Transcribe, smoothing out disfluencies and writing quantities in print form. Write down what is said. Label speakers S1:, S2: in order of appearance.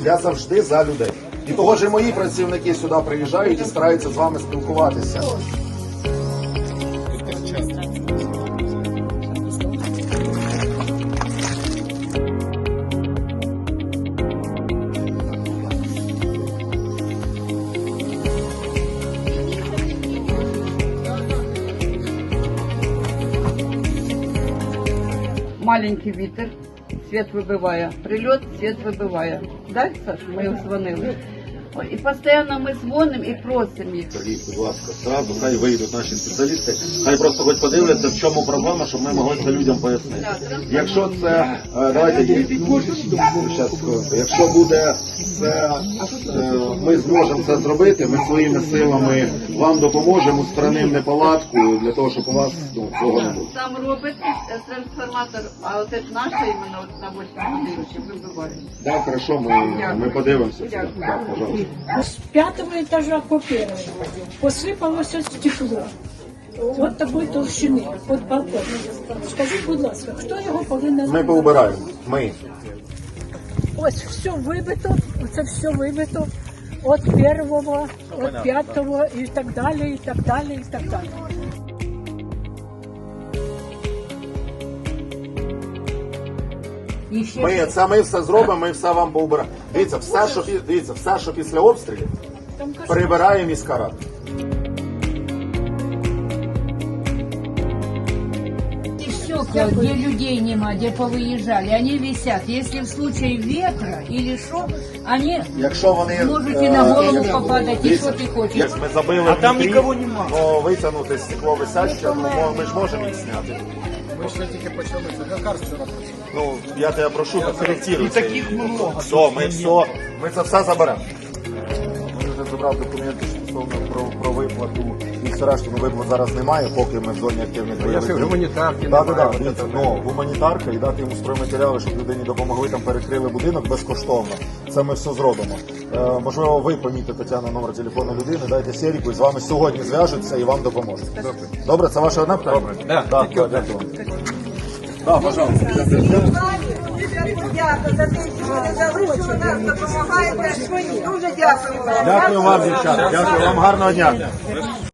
S1: Я завжди за людей. І того ж і мої працівники сюди приїжджають і стараються з вами спілкуватися.
S2: Маленький вітер, світ вибиває. Прильот, світ вибиває. Так, Саш, ми дзвонили. Ой, і постійно ми дзвонимо і просимо їх.
S1: Сергій, будь ласка, зразу хай вийдуть наші спеціалісти, хай просто хоч подивляться, в чому проблема, щоб ми могли це людям пояснити. Якщо це, давайте, щас, якщо буде це, ми зможемо це зробити, ми своїми силами вам допоможемо, устранимо неполадку, для того, щоб у вас цього не було.
S2: Там робить трансформатор, а от це наша іменно от на 8 годиночі вибиває.
S1: Так, хорошо, ми подивимося. Так, пожалуйста.
S3: С 5-го этажа по первому посипалося стекло. От такої толщини, от балкон. Скажіть, будь ласка, хто його повинен?
S1: Ми поубираємо. Ми.
S3: Ось все вибито, це все вибито. От першого, от 5-го і так далі, і так далі, і так далі.
S1: Ми все зробимо, ми все вам поубираємо. Дивіться, все, що після обстрілів, прибирає міська рада.
S4: Стекла, где людей нема, где повыезжали, они висят. Если в случае ветра или что, они
S1: Якщо вони
S4: можете на голову попадать, и что ты хочешь.
S1: як ми забили,
S5: А там нікого нема.
S1: Ну, витягнути стекло висяще, ну, ми ж можемо їх зняти.
S5: Ми ще тільки почали, це лекарство робити.
S1: Ну, я тебе прошу, коректируй.
S5: І таких много.
S1: Все, ми це все заберемо. Ми вже забрав документи стосовно про виплату і все решту, виплат зараз немає, поки ми в зоні активних бойових дій.
S5: Гуманітарки
S1: Так,
S5: немає.
S1: так, дивіться, ну, гуманітарка і дати йому стройматеріали, щоб людині допомогли, там перекрили будинок безкоштовно. Це ми все зробимо. Можливо, ви помітите, Тетяна, номер телефону людини, дайте Серіку, і з вами сьогодні зв'яжуться і вам допоможуть. Добре, це ваше одне питання?
S5: Да.
S1: Дякую. Так, пожалуйста.
S6: Дякую за те, що ви дали, що ви нам допомагаєте. Дуже дякую вам.
S1: Дякую вам, дівчата. Дякую вам, гарного дня.